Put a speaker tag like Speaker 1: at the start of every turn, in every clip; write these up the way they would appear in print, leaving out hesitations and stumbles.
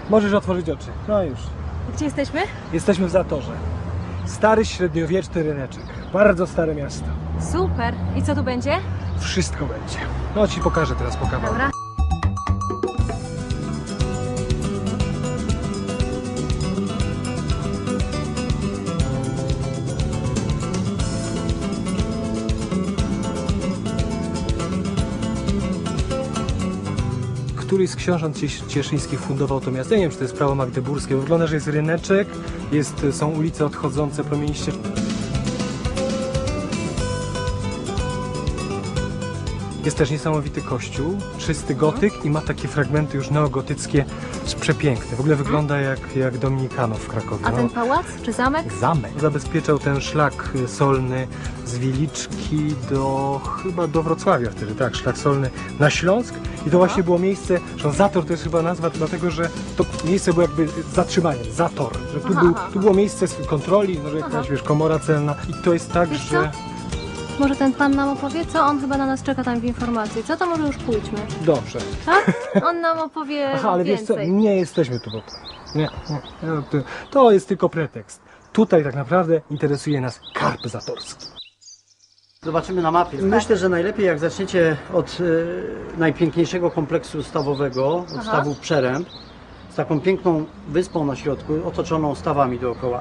Speaker 1: Możesz otworzyć oczy. No już.
Speaker 2: Gdzie jesteśmy?
Speaker 1: Jesteśmy w Zatorze. Stary, średniowieczny ryneczek. Bardzo stare miasto.
Speaker 2: Super. I co tu będzie?
Speaker 1: Wszystko będzie. No ci pokażę teraz po kawałku.
Speaker 2: Dobra.
Speaker 1: Któryś z książąt cieszyńskich fundował to miasto. Ja nie wiem, czy to jest prawo magdeburskie. Wygląda, że jest ryneczek, są ulice odchodzące promieniście. Jest też niesamowity kościół, czysty gotyk i ma takie fragmenty już neogotyckie, przepiękne. W ogóle wygląda jak Dominikanów w Krakowie.
Speaker 2: A ten pałac czy zamek?
Speaker 1: Zamek. Zabezpieczał ten szlak solny z Wiliczki chyba do Wrocławia wtedy, tak, szlak solny na Śląsk. I to właśnie było miejsce, że Zator to jest chyba nazwa, dlatego że to miejsce było jakby zatrzymaniem, Zator. Że tu było miejsce kontroli, może jakaś, wiesz, komora celna. I to jest tak,
Speaker 2: Wiesz
Speaker 1: że...
Speaker 2: co? Może ten pan nam opowie, co? On chyba na nas czeka tam w informacji. Co to może już pójdźmy?
Speaker 1: Dobrze.
Speaker 2: Tak? On nam opowie
Speaker 1: Aha, ale wiesz co,
Speaker 2: więcej.
Speaker 1: nie jesteśmy tu po to. Nie. To jest tylko pretekst. Tutaj tak naprawdę interesuje nas karp zatorski.
Speaker 3: Zobaczymy na mapie. Myślę, że najlepiej jak zaczniecie od najpiękniejszego kompleksu stawowego, od stawu Przeręb, z taką piękną wyspą na środku, otoczoną stawami dookoła.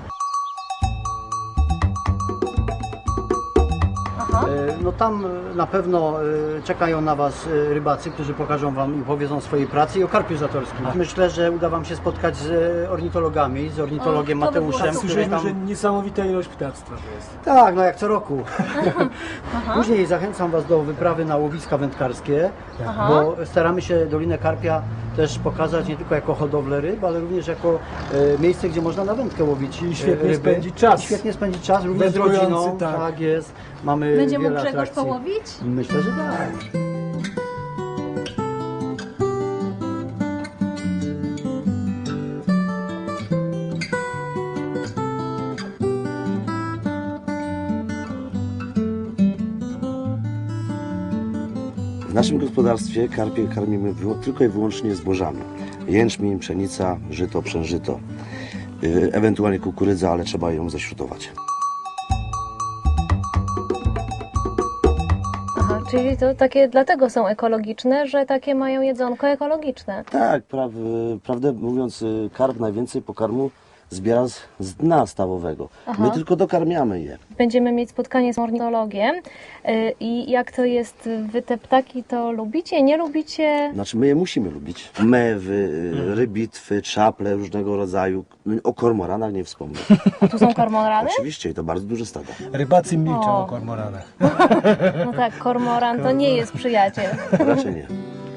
Speaker 3: No tam na pewno czekają na Was rybacy, którzy pokażą Wam i opowiedzą o swojej pracy i o karpiu zatorskim. Myślę, że uda Wam się spotkać z ornitologami, z ornitologiem
Speaker 2: to by było
Speaker 3: Mateuszem,
Speaker 2: super.
Speaker 3: który
Speaker 1: Słyszeliśmy,
Speaker 3: tam...
Speaker 1: że niesamowita ilość ptactwa to jest.
Speaker 3: Tak, no jak co roku. Później zachęcam Was do wyprawy na łowiska wędkarskie, bo staramy się Dolinę Karpia też pokazać nie tylko jako hodowlę ryb, ale również jako miejsce, gdzie można na wędkę łowić
Speaker 1: I świetnie
Speaker 3: ryby.
Speaker 1: spędzić czas.
Speaker 3: I świetnie spędzić czas, również z
Speaker 1: Wędrujący,
Speaker 3: rodziną.
Speaker 1: tak.
Speaker 3: Tak jest. Mamy
Speaker 2: Będzie mógł
Speaker 3: wiele
Speaker 2: Grzegorz
Speaker 3: atrakcji.
Speaker 2: połowić?
Speaker 3: Myślę, że tak.
Speaker 4: W naszym gospodarstwie karpie karmimy tylko i wyłącznie zbożami. Jęczmień, pszenica, żyto, przężyto, ewentualnie kukurydza, ale trzeba ją zaśrutować.
Speaker 2: Aha, czyli to takie dlatego są ekologiczne, że takie mają jedzonko ekologiczne.
Speaker 4: Tak, prawdę mówiąc, karp najwięcej pokarmu zbiera z dna stawowego. My tylko dokarmiamy je.
Speaker 2: Będziemy mieć spotkanie z ornitologiem i jak to jest, wy te ptaki to lubicie, nie lubicie?
Speaker 4: Znaczy my je musimy lubić. Mewy, rybitwy, czaple różnego rodzaju. O kormoranach nie wspomnę.
Speaker 2: A tu są kormorany?
Speaker 4: Oczywiście i to bardzo duże stada.
Speaker 1: Rybacy milczą
Speaker 2: O.
Speaker 1: o kormoranach.
Speaker 2: No tak, kormoran to nie jest przyjaciel.
Speaker 4: Raczej nie.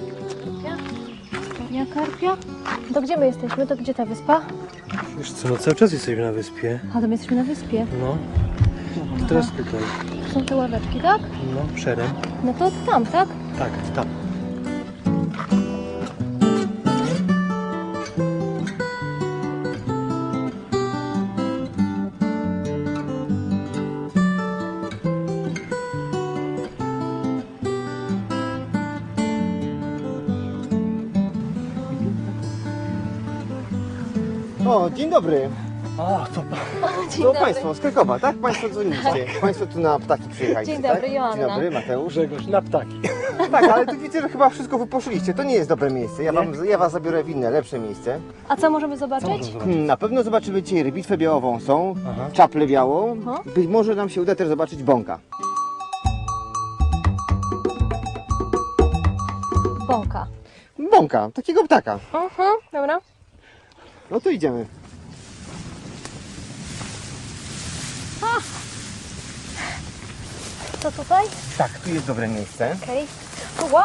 Speaker 2: Ja karpia? To gdzie my jesteśmy? To gdzie ta wyspa?
Speaker 1: Wiesz co, no cały czas jesteśmy na wyspie.
Speaker 2: A to my jesteśmy na wyspie.
Speaker 1: No. Teraz tutaj.
Speaker 2: Tu są te ławeczki, tak?
Speaker 1: No, Przeręb.
Speaker 2: No to tam, tak?
Speaker 1: Tak, tam.
Speaker 5: O, dzień dobry.
Speaker 1: O, to
Speaker 2: Dzień
Speaker 5: To Państwo z Krakowa, tak? Państwo dzwoniliście. Państwo tu na ptaki przyjechaliście,
Speaker 2: Dzień dobry,
Speaker 5: tak?
Speaker 2: Joanna.
Speaker 5: Dzień dobry, Mateusz.
Speaker 1: Grzegorz, na ptaki.
Speaker 5: Tak, ale tu widzę, że chyba wszystko wyposzyliście. To nie jest dobre miejsce. Ja was zabiorę w inne, lepsze miejsce.
Speaker 2: A co możemy zobaczyć?
Speaker 5: Na pewno zobaczymy dzisiaj rybitwę białowąsą,
Speaker 1: Aha.
Speaker 5: czaplę białą.
Speaker 2: Aha.
Speaker 5: Być może nam się uda też zobaczyć bąka.
Speaker 2: Bąka.
Speaker 5: Bąka, takiego ptaka.
Speaker 2: Aha, dobra.
Speaker 5: No to idziemy.
Speaker 2: To tutaj?
Speaker 5: Tak, tu jest dobre miejsce.
Speaker 2: Okej. Wow.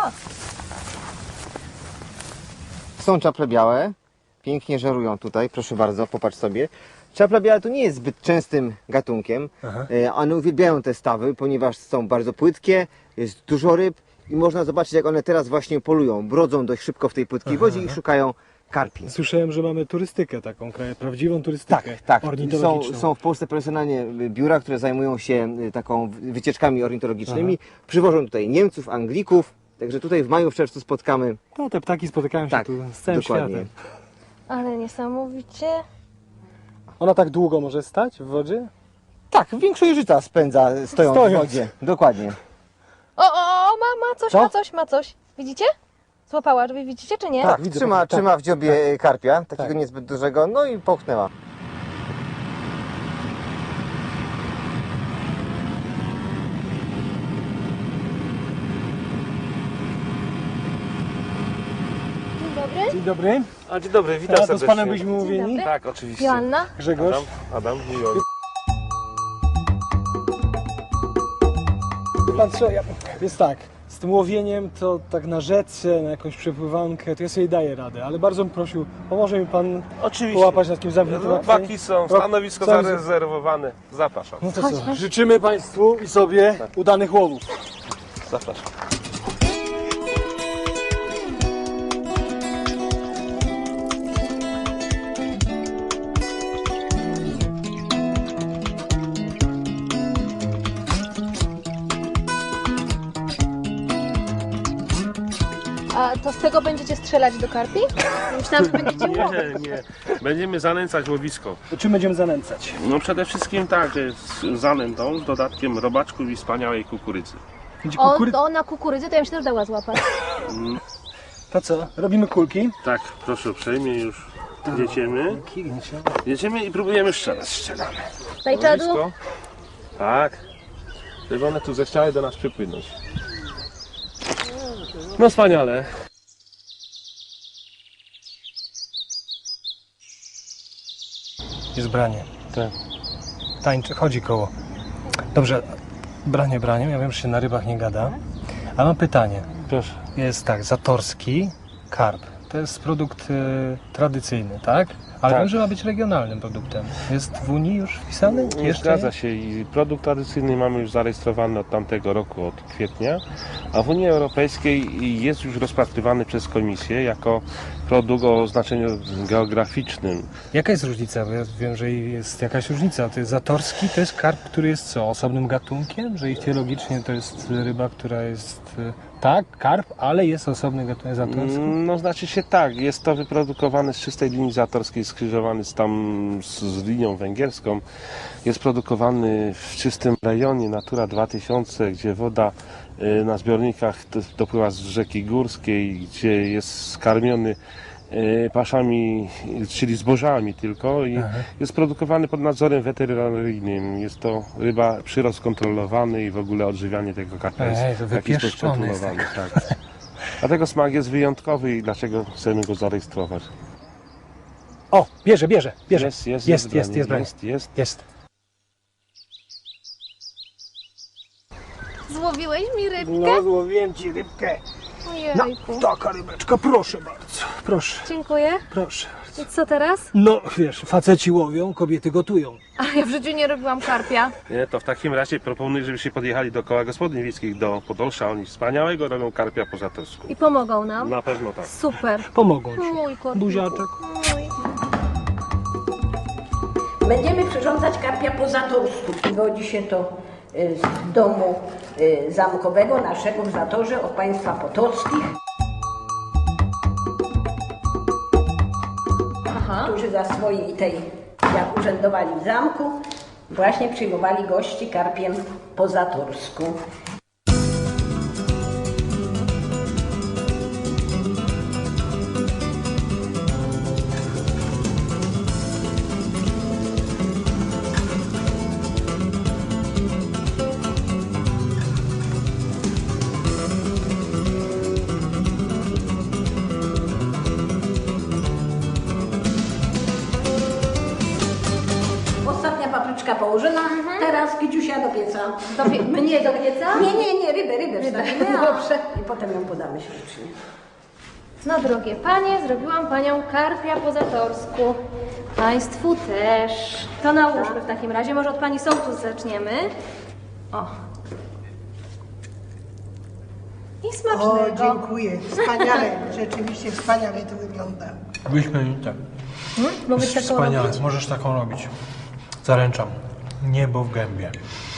Speaker 5: Są czaple białe. Pięknie żerują tutaj, proszę bardzo, popatrz sobie. Czapla biała to nie jest zbyt częstym gatunkiem.
Speaker 1: Aha.
Speaker 5: One uwielbiają te stawy, ponieważ są bardzo płytkie, jest dużo ryb i można zobaczyć, jak one teraz właśnie polują. Brodzą dość szybko w tej płytkiej wodzie i szukają karpi.
Speaker 1: Słyszałem, że mamy turystykę taką, prawdziwą turystykę
Speaker 5: Tak.
Speaker 1: ornitologiczną.
Speaker 5: Są w Polsce profesjonalnie biura, które zajmują się taką wycieczkami ornitologicznymi. Przywożą tutaj Niemców, Anglików. Także tutaj w maju, w czerwcu spotkamy.
Speaker 1: No, te ptaki spotykają się
Speaker 5: Tak,
Speaker 1: tu z całym
Speaker 5: dokładnie.
Speaker 1: światem.
Speaker 2: Ale niesamowicie.
Speaker 1: Ona tak długo może stać w wodzie?
Speaker 5: Tak, większość życia spędza stojąc w
Speaker 1: Stojąc.
Speaker 5: wodzie. Dokładnie.
Speaker 2: O, ma coś,
Speaker 1: Co?
Speaker 2: ma coś. Widzicie? Złapała, żeby widzicie, czy nie?
Speaker 5: Tak,
Speaker 1: widzę,
Speaker 5: trzyma,
Speaker 1: tak.
Speaker 5: trzyma w dziobie karpia, takiego
Speaker 1: Tak.
Speaker 5: niezbyt dużego, no i połknęła.
Speaker 2: Dzień dobry.
Speaker 1: Dzień dobry.
Speaker 6: A dzień dobry, witam
Speaker 1: A to z
Speaker 6: serdecznie.
Speaker 1: panem byliśmy
Speaker 2: Dzień
Speaker 1: umówieni?
Speaker 2: dobry.
Speaker 6: Tak, oczywiście.
Speaker 2: Joanna.
Speaker 1: Grzegorz.
Speaker 6: Adam, miło.
Speaker 1: Pan co, jest tak, z tym łowieniem to tak na rzece, na jakąś przepływankę, to ja sobie daję radę, ale bardzo bym prosił, pomoże mi pan
Speaker 6: Oczywiście.
Speaker 1: połapać na takim zamkniętym
Speaker 6: Robaki są, stanowisko
Speaker 1: Są-
Speaker 6: zarezerwowane. Zapraszam,
Speaker 1: No to co, życzymy państwu i sobie udanych łowów.
Speaker 6: zapraszam.
Speaker 2: A to z tego będziecie strzelać do karpi? Myślałam, że będziecie łowić.
Speaker 6: Nie. Będziemy zanęcać łowisko.
Speaker 1: To czym będziemy zanęcać?
Speaker 6: No przede wszystkim tak, z zanętą, z dodatkiem robaczków i wspaniałej kukurydzy.
Speaker 1: Będzie
Speaker 2: O, na kukurydzy to ja bym się też dała złapać.
Speaker 1: To co, robimy kulki?
Speaker 6: Tak, proszę uprzejmie już jedziemy i próbujemy strzelać. Strzelamy.
Speaker 2: Daj czadu.
Speaker 6: Łowisko. Tak. Żeby one tu zechciały do nas przypłynąć. No wspaniale.
Speaker 1: Jest branie.
Speaker 6: Tak.
Speaker 1: Tańczy, chodzi koło. Dobrze, branie braniem, ja wiem, że się na rybach nie gada, ale mam pytanie.
Speaker 6: Proszę.
Speaker 1: Jest tak, zatorski karp. To jest produkt tradycyjny, tak? Ale
Speaker 6: Tak.
Speaker 1: wiem, że ma być regionalnym produktem. Jest w Unii już wpisany?
Speaker 6: Nie zgadza się i produkt tradycyjny mamy już zarejestrowany od tamtego roku, od kwietnia, a w Unii Europejskiej jest już rozpatrywany przez Komisję jako produkt o znaczeniu geograficznym.
Speaker 1: Jaka jest różnica? Bo ja wiem, że jest jakaś różnica. To jest zatorski, to jest karp, który jest co? Osobnym gatunkiem? Że ichtyologicznie to jest ryba, która jest... Tak, karp, ale jest osobny gatunek zatorski?
Speaker 6: No znaczy się tak, jest to wyprodukowane z czystej linii zatorskiej, skrzyżowany z linią węgierską. Jest produkowany w czystym rejonie Natura 2000, gdzie woda na zbiornikach dopływa z rzeki górskiej, gdzie jest skarmiony paszami, czyli zbożami tylko i jest produkowany pod nadzorem weterynaryjnym. Jest to ryba, przyrost kontrolowany i w ogóle odżywianie tego karpia jest
Speaker 1: Ej, to
Speaker 6: w jakiś sposób
Speaker 1: wypieszczony jest
Speaker 6: kontrolowany. Tak. Dlatego smak jest wyjątkowy i dlaczego chcemy go zarejestrować.
Speaker 1: O, bierze.
Speaker 6: Jest
Speaker 1: branie. Jest.
Speaker 2: Złowiłeś mi rybkę?
Speaker 1: No, złowiłem ci rybkę.
Speaker 2: Ojejku.
Speaker 1: Taka rybeczka, proszę bardzo. Proszę,
Speaker 2: Dziękuję.
Speaker 1: proszę.
Speaker 2: I co teraz?
Speaker 1: No, wiesz, faceci łowią, kobiety gotują.
Speaker 2: A ja w życiu nie robiłam karpia.
Speaker 6: Nie, to w takim razie proponuję, żebyście podjechali do koła gospodyń wiejskich do Podolsza. Oni wspaniałego robią karpia po zatorsku.
Speaker 2: I pomogą nam.
Speaker 6: Na pewno tak.
Speaker 2: Super.
Speaker 1: Pomogą ci.
Speaker 2: Mój kotku.
Speaker 1: Buziaczek.
Speaker 2: Mój.
Speaker 7: Będziemy przyrządzać karpia po zatorsku. Wywodzi się to z domu zamkowego naszego w Zatorze od państwa Potockich, którzy za swojej tej, jak urzędowali w zamku, właśnie przyjmowali gości karpiem po zatorsku. Ostatnia papryczka położona, teraz kiciusia do pieca.
Speaker 2: Mnie do pieca?
Speaker 7: Nie, rybę wstawimy,
Speaker 2: Dobrze.
Speaker 7: i potem ją podamy ślicznie.
Speaker 2: No drogie panie, zrobiłam panią karpia po zatorsku. Państwu też. To nałóżmy w takim razie. Może od pani sołtus zaczniemy. O. I
Speaker 8: O,
Speaker 2: smacznego.
Speaker 8: dziękuję. Wspaniale, rzeczywiście wspaniale to wygląda.
Speaker 1: Wyśmienite.
Speaker 2: Mogę taką
Speaker 1: Wspaniale,
Speaker 2: robić?
Speaker 1: możesz taką robić. Zaręczam. Niebo w gębie.